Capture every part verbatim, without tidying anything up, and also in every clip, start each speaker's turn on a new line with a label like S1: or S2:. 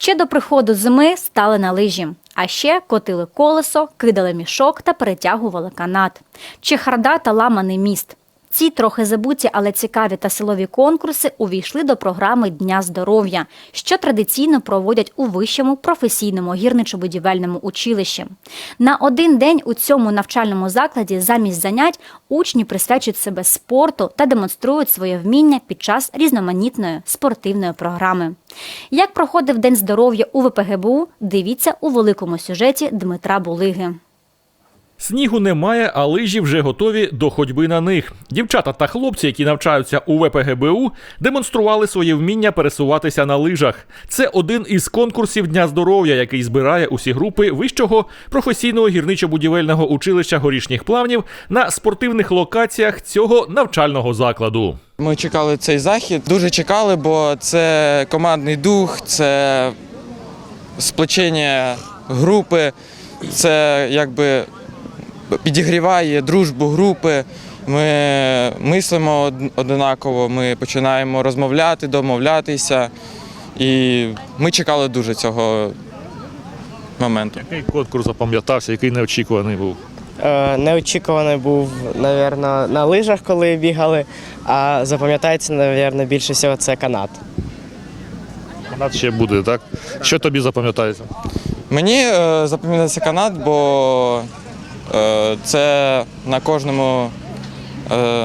S1: Ще до приходу зими стали на лижі. А ще котили колесо, кидали мішок та перетягували канат. Чехарда та ламаний міст. Ці трохи забуті, але цікаві та силові конкурси увійшли до програми Дня здоров'я, що традиційно проводять у вищому професійному гірничо-будівельному училищі. На один день у цьому навчальному закладі замість занять учні присвячують себе спорту та демонструють своє вміння під час різноманітної спортивної програми. Як проходив День здоров'я у ВПГБУ, дивіться у великому сюжеті Дмитра Булиги.
S2: Снігу немає, а лижі вже готові до ходьби на них. Дівчата та хлопці, які навчаються у ВПГБУ, демонстрували своє вміння пересуватися на лижах. Це один із конкурсів Дня здоров'я, який збирає усі групи Вищого професійного гірничо-будівельного училища горішніх плавнів на спортивних локаціях цього навчального закладу.
S3: Ми чекали цей захід, дуже чекали, бо це командний дух, це сплочення групи, це якби підігріває дружбу групи, ми мислимо однаково, ми починаємо розмовляти, домовлятися, і ми чекали дуже цього моменту.
S2: Який конкурс запам'ятався, який неочікуваний був?
S4: Е, Неочікуваний був, мабуть, на лижах, коли бігали, а запам'ятається, мабуть, більше всього це канат.
S2: Канат ще буде, так? Що тобі запам'ятається?
S3: Мені е, запам'ятався канат, бо е, це на кожному е,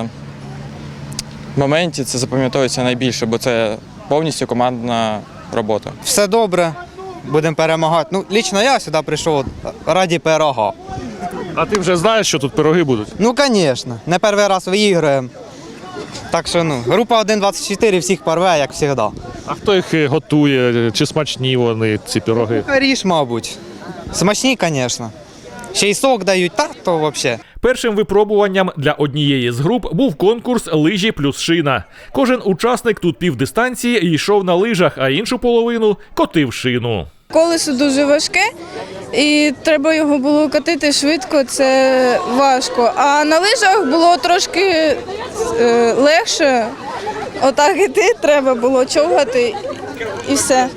S3: моменті це запам'ятовується найбільше, бо це повністю командна робота.
S5: Все добре, будемо перемагати. Ну, лично я сюди прийшов раді пирога.
S2: А ти вже знаєш, що тут пироги будуть?
S5: Ну, звісно, не перший раз виіграємо. Так що, ну, група один двадцять чотири всіх порве, як завжди.
S2: А хто їх готує? Чи смачні вони, ці пироги?
S5: Ріж, мабуть. Смачні, звісно. Ще й сок дають, так, то взагалі.
S2: Першим випробуванням для однієї з груп був конкурс «Лижі плюс шина». Кожен учасник тут півдистанції йшов на лижах, а іншу половину котив шину.
S6: Колесо дуже важке, і треба його було катити швидко, це важко. А на лижах було трошки е, легше. Отак іти треба було човгати і все.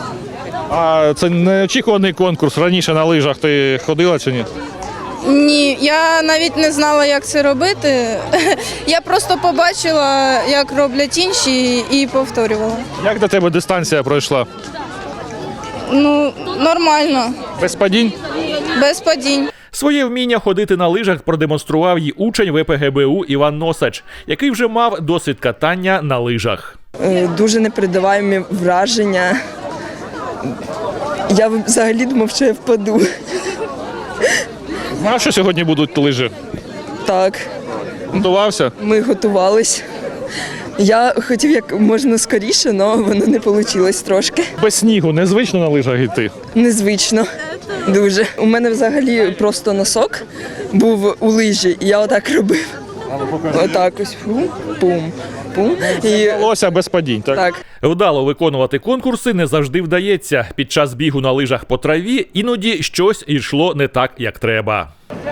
S2: А це неочікуваний конкурс. Раніше на лижах ти ходила чи ні?
S6: Ні, я навіть не знала, як це робити. Я просто побачила, як роблять інші, і повторювала.
S2: Як до тебе дистанція пройшла?
S6: Ну, нормально,
S2: Без падінь?
S6: без падінь.
S2: Своє вміння ходити на лижах продемонстрував і учень ВПГБУ Іван Носач, який вже мав досвід катання на лижах.
S7: Дуже непередаваємі враження. Я взагалі думав, що я впаду.
S2: Знав, що сьогодні будуть лижі?
S7: Так,
S2: Готувався?
S7: ми готувались. Я хотів як можна скоріше, але воно не вийшло трошки.
S2: Без снігу незвично на лижах йти?
S7: Незвично. Дуже. У мене взагалі просто носок був у лижі, і я отак робив. Отак ось. Пум, пум, пум. І...
S2: Вдалося без падінь, так?
S7: Так.
S2: Вдало виконувати конкурси не завжди вдається. Під час бігу на лижах по траві іноді щось йшло не так, як треба.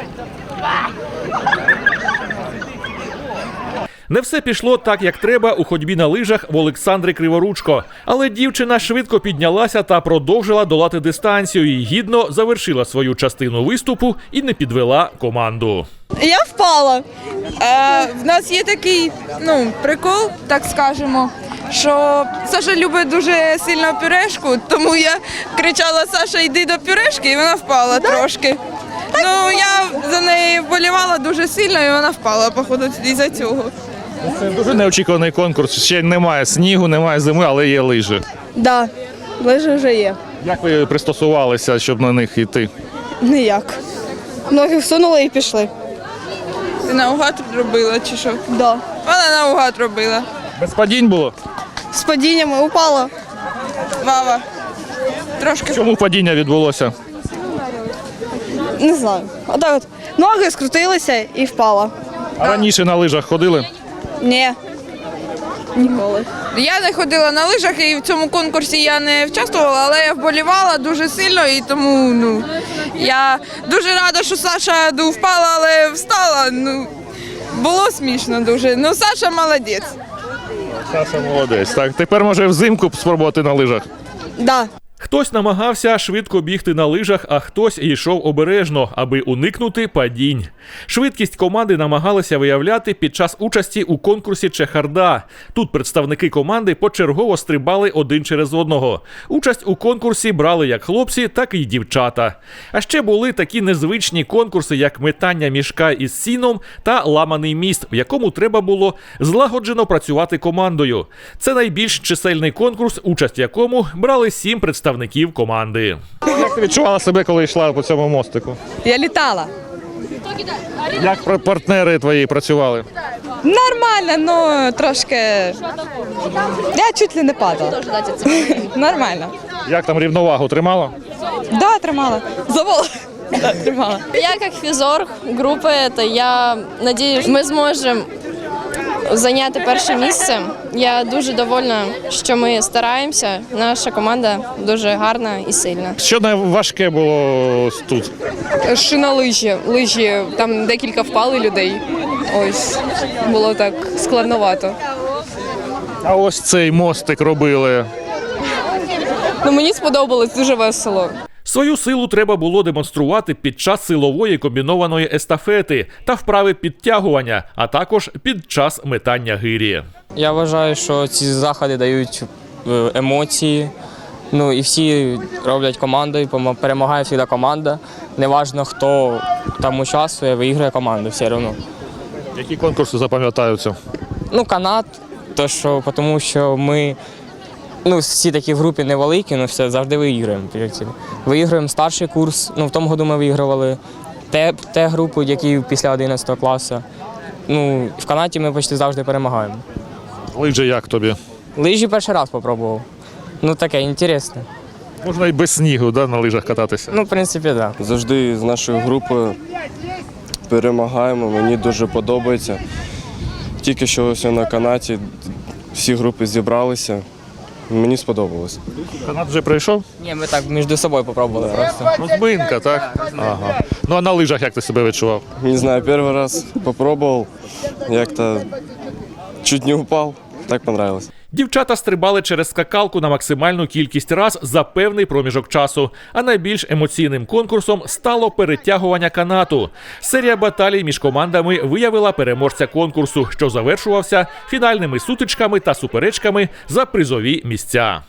S2: Не все пішло так, як треба у ходьбі на лижах в Олександри Криворучко. Але дівчина швидко піднялася та продовжила долати дистанцію і гідно завершила свою частину виступу і не підвела команду.
S8: Я впала. Е, в нас є такий ну, прикол, так скажемо, що Саша любить дуже сильно пюрешку, тому я кричала: «Саша, йди до пюрешки», і вона впала трошки. Ну, я за неї вболівала дуже сильно, і вона впала, походу, із-за цього.
S2: Це дуже неочікуваний конкурс. Ще немає снігу, немає зими, але є лижі.
S7: Так, да, лижі вже є.
S2: Як ви пристосувалися, щоб на них йти?
S7: Ніяк. Ноги всунули і пішли.
S8: Ти наугад робила чи що?
S7: Да.
S8: Вона наугад робила.
S2: Без падінь було?
S7: З падіннями упала.
S8: Вава. Трошки.
S2: Чому падіння відбулося?
S7: Не знаю. Отак от. Ноги скрутилися і впала.
S2: А раніше на лижах ходили?
S7: Ні. Ніколи.
S8: Я не ходила на лижах і в цьому конкурсі я не участвувала, але я вболівала дуже сильно, і тому ну, я дуже рада, що Саша ну, впала, але встала. Ну, було смішно дуже. Ну, Саша молодець.
S2: Саша молодець. Так, тепер може взимку спробувати на лижах?
S7: Да.
S2: Хтось намагався швидко бігти на лижах, а хтось йшов обережно, аби уникнути падінь. Швидкість команди намагалися виявляти під час участі у конкурсі «Чехарда». Тут представники команди почергово стрибали один через одного. Участь у конкурсі брали як хлопці, так і дівчата. А ще були такі незвичні конкурси, як метання мішка із сіном та ламаний міст, в якому треба було злагоджено працювати командою. Це найбільш чисельний конкурс, участь в якому брали сім представників команди.
S9: Як ти відчувала себе, коли йшла по цьому мостику?
S8: Я літала.
S9: Як пар- партнери твої працювали?
S8: Нормально, ну трошки. Я чуть ли не падала. Нормально.
S9: Як там рівновагу тримала?
S8: Да, тримала. Завола. Да, тримала.
S10: Я как физор группы, это я надеюсь, ми зможемо зайняти перше місце. Я дуже довольна, що ми стараємося. Наша команда дуже гарна і сильна.
S9: Що найважке було тут?
S8: Шина лижі. Лижі, там декілька впали людей. Ось, було так складновато.
S9: А ось цей мостик робили.
S8: Ну, мені сподобалось, дуже весело.
S2: Свою силу треба було демонструвати під час силової комбінованої естафети та вправи підтягування, а також під час метання гирі.
S11: Я вважаю, що ці заходи дають е, емоції. Ну і всі роблять командою, помо- перемагає завжди команда. Неважно, хто там участвує, виграє команда все одно.
S9: Які конкурси запам'ятаються?
S11: Ну, канат, то що, тому що ми ну, всі такі в групі невеликі, ну все завжди виіграємо. Виіграємо старший курс. Ну, в тому году ми вигравали те, те групу, які після одинадцятого класу. Ну, в канаті ми почти завжди перемагаємо.
S9: Лижі як тобі?
S11: Лижі перший раз спробував. Ну таке, інтересне.
S9: Можна і без снігу, да, на лижах кататися?
S11: Ну, в принципі, так. Да.
S12: Завжди з нашою групою перемагаємо, мені дуже подобається. Тільки що ось на канаті всі групи зібралися, мені сподобалось.
S9: Канат вже прийшов?
S11: Ні, ми так між собою спробували просто.
S9: Розминка, так? Ага. Ну а на лижах як ти себе відчував?
S12: Не знаю, перший раз спробував, як-то чуть не упав, так понравилось.
S2: Дівчата стрибали через скакалку на максимальну кількість раз за певний проміжок часу, а найбільш емоційним конкурсом стало перетягування канату. Серія баталій між командами виявила переможця конкурсу, що завершувався фінальними сутичками та суперечками за призові місця.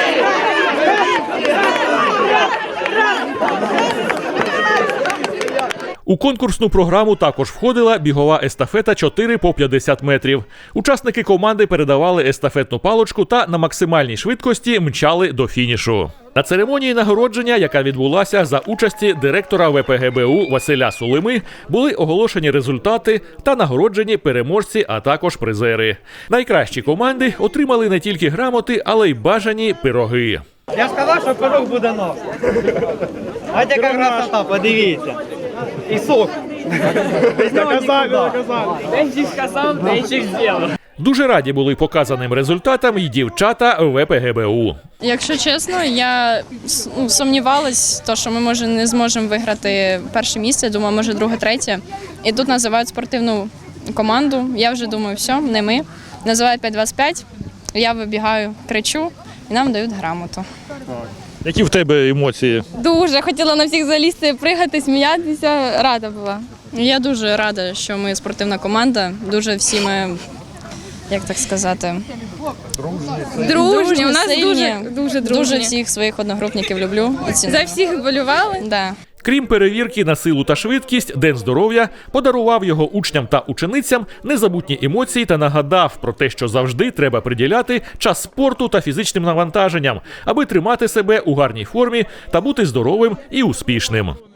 S2: У конкурсну програму також входила бігова естафета чотири по п'ятдесят метрів. Учасники команди передавали естафетну паличку та на максимальній швидкості мчали до фінішу. На церемонії нагородження, яка відбулася за участі директора ве пе ге бе у Василя Сулими, були оголошені результати та нагороджені переможці, а також призери. Найкращі команди отримали не тільки грамоти, але й бажані пироги.
S5: Я сказав, що пирог буде нов. Ось яка красота, подивіться. І сок. Доказали, доказали. Денчик сказав, денчик зробив.
S2: Дуже раді були показаним результатам і дівчата ве пе ге бе у.
S10: Якщо чесно, я ну, сумнівалась, то, що ми може не зможемо виграти перше місце, думаю, може друге, третє. І тут називають спортивну команду. Я вже думаю, все, не ми. Називають п'ять двадцять п'ять, я вибігаю, кричу і нам дають грамоту.
S9: Які в тебе емоції?
S10: Дуже хотіла на всіх залізти, пригати, сміятися, рада була. Я дуже рада, що ми спортивна команда, дуже всі ми, як так сказати,
S6: Дружні, у нас
S10: сильні.
S6: дуже, дуже дружні.
S10: Дуже всіх своїх одногрупників люблю і ціную.
S6: За всіх болювали.
S10: Да.
S2: Крім перевірки на силу та швидкість, День здоров'я подарував його учням та ученицям незабутні емоції та нагадав про те, що завжди треба приділяти час спорту та фізичним навантаженням, аби тримати себе у гарній формі та бути здоровим і успішним.